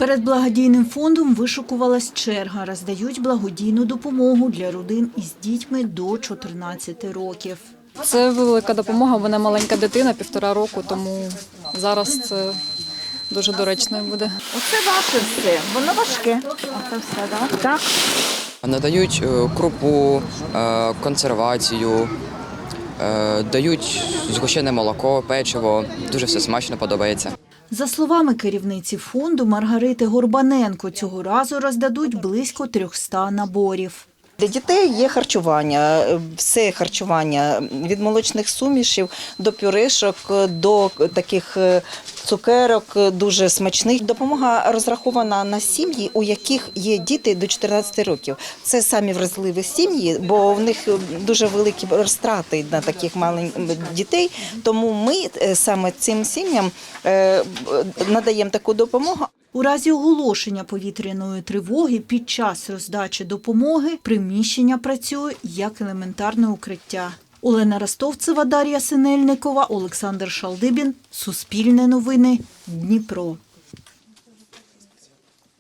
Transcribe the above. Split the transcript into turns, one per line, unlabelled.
Перед благодійним фондом вишукувалась черга. Роздають благодійну допомогу для родин із дітьми до 14 років.
Це велика допомога, вона маленька дитина, 1,5 року, тому зараз це дуже доречно буде.
Оце ваше все, воно важке. Оце все, так? Так.
Надають крупу, консервацію, дають згущене молоко, печиво. Дуже все смачно, подобається.
За словами керівниці фонду Маргарити Горбаненко, цього разу роздадуть близько 300 наборів.
Для дітей є харчування, все харчування від молочних сумішів до пюрешок, до таких цукерок дуже смачних. Допомога розрахована на сім'ї, у яких є діти до 14 років. Це самі вразливі сім'ї, бо в них дуже великі розтрати на таких маленьких дітей. Тому ми саме цим сім'ям надаємо таку допомогу.
У разі оголошення повітряної тривоги під час роздачі допомоги приміщення працює як елементарне укриття. Олена Ростовцева, Дар'я Синельникова, Олександр Шалдибін. Суспільне новини. Дніпро.